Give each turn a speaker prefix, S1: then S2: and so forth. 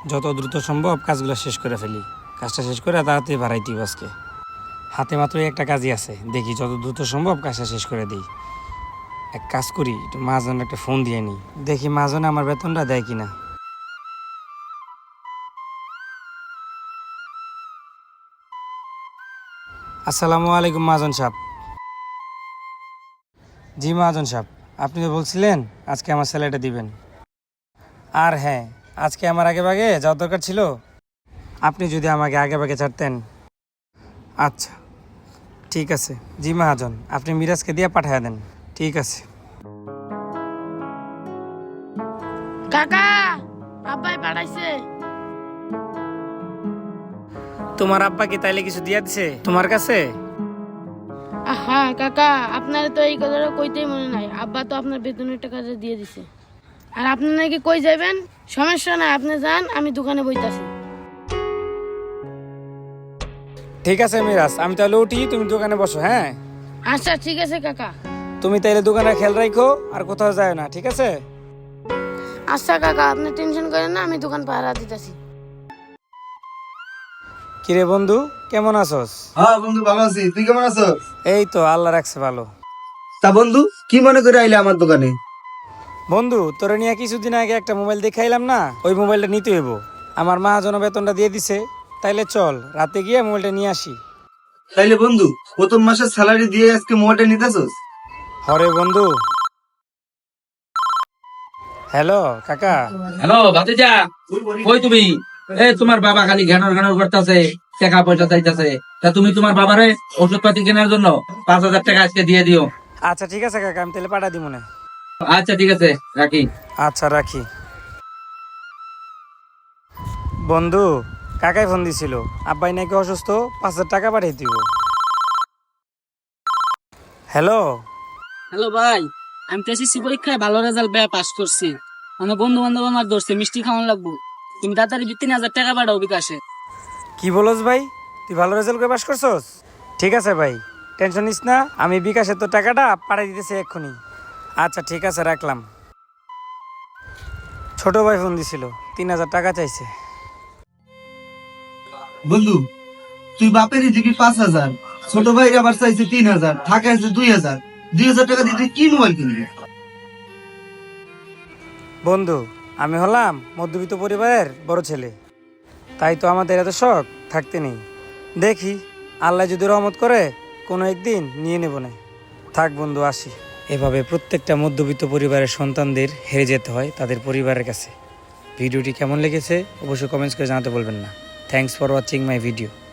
S1: যত দ্রুত সম্ভব কাজগুলো শেষ করে ফেলি। কাজটা শেষ করে তাড়াতাড়ি বাড়াই দিব। আজকে হাতে মাত্র একটা কাজই আছে, দেখি যত দ্রুত সম্ভব কাজটা শেষ করে দিই। এক কাজ করি, একটু মাজন একটা ফোন দিয়ে নিই, দেখি মাজনে আমার বেতনটা দেয় কিনা। আসসালামু আলাইকুম মাজন সাহেব। জি মাজন সাহেব, আপনি তো বলছিলেন আজকে আমার স্যালারিটা দিবেন। আর হ্যাঁ, আজকে আমার আগে ভাগে যাওয়ার দরকার ছিল, আপনি যদি আমাকে আগে ভাগে ছাড়তেন। আচ্ছা ঠিক আছে। জি মহাজন, আপনি মিরাজকে দিয়ে পাঠিয়ে দেন। ঠিক আছে।
S2: কাকা, আব্বাই পাঠাইছে।
S1: তোমার আব্বা কি তাইলে কিছু দিয়া দিছে তোমার কাছে?
S2: হ্যাঁ কাকা, আপনার তো এই কথাটা কইতেই মনে নাই। আব্বা তো আপনার বেতনের টাকাটা দিয়ে দিছে। আর আপনি নাকি কই যাবেন? সমস্যা নাই, আপনি যান, আমি দোকানে বইতাছি।
S1: ঠিক আছে মিরাজ, আমি তাহলে উঠি, তুমি দোকানে বসো। হ্যাঁ
S2: আচ্ছা ঠিক আছে কাকা।
S1: তুমি তাইলে দোকানে খেয়াল রাখো, আর কোথাও যায় না, ঠিক আছে?
S2: আচ্ছা কাকা, আপনি টেনশন করেন না, আমি দোকান পাহারা দিতেছি।
S1: কিরে বন্ধু, কেমন আছোস?
S3: হ্যাঁ বন্ধু, ভালো আছি। তুই কেমন আছো?
S1: এই তো আল্লাহ রাখছে ভালো।
S3: তা বন্ধু, কি মনে করে আইলে আমার দোকানে?
S1: বন্ধু, তোরে নিয়ে কিছুদিন আগে একটা মোবাইল দেখাইলাম না, ওই মোবাইলটা নিতে হইব। আমার মহাজন বেতনটা দিয়ে দিছে, তাইলে চল রাতে গিয়ে মোবাইলটা নিয়ে আসি।
S3: তাইলে বন্ধু, প্রথম মাসের স্যালারি দিয়ে আজকে মোবাইলটা নিতেছস?
S1: হরে বন্ধু। হ্যালো কাকা।
S4: হ্যালো ভাতিজা, কই তুমি? তোমার বাবা খালি ঘ্যানর ঘ্যানর করতেছে, টাকা পয়সা চাইতেছে। তা তুমি তোমার বাবারে ওষুধ পাতি কেনার জন্য 5,000 টাকা আজকে দিয়ে দিও।
S1: আচ্ছা ঠিক আছে কাকা, আমি তাহলে পাঠা দিব না।
S4: আচ্ছা ঠিক আছে, রাখি।
S1: আচ্ছা রাখি। বন্ধু, কাকাই ফোন দিছিল, আব্বাই নাকি অসুস্থ, 5,000 টাকা পাঠিয়ে দিব। হ্যালো।
S5: হ্যালো ভাই, আমি তো এসএসসি পরীক্ষায় ভালো রেজাল্ট পাস করছি। আমার বন্ধু বান্ধব আমার ধরছে মিষ্টি খাওয়ানো লাগবো। তুমি তাড়াতাড়ি 3,000 টাকা পাঠাও বিকাশে।
S1: কি বলস ভাই, তুই ভালো রেজাল্ট করে পাস করছস? ঠিক আছে ভাই, টেনশন নিস না, আমি বিকাশে তো টাকাটা পাঠিয়ে দিতেছি এক্ষুনি। আচ্ছা ঠিক আছে, রাখলাম। ছোট ভাই ফোন দিছিল, 3,000 টাকা চাইছে।
S3: বন্ধু, তুই বাপেরই দিবি 5,000, ছোট ভাই আবার চাইছে 3,000, টাকা আছে 2,000। 2,000 টাকা দিয়ে তুই কি মোবাইল কিনবি?
S1: বন্ধু, আমি হলাম মধ্যবিত্ত পরিবারের বড় ছেলে, তাই তো আমাদের এত শখ থাকতে নেই। দেখি আল্লাহ যদি রহমত করে কোনো একদিন নিয়ে নেব না। থাক বন্ধু, আসি। এভাবে প্রত্যেকটা মধ্যবিত্ত পরিবারের সন্তানদের হেরে যেতে হয় তাদের পরিবারের কাছে। ভিডিওটি কেমন লেগেছে অবশ্যই কমেন্টস করে জানাতে বলবেন না। Thanks for watching my video.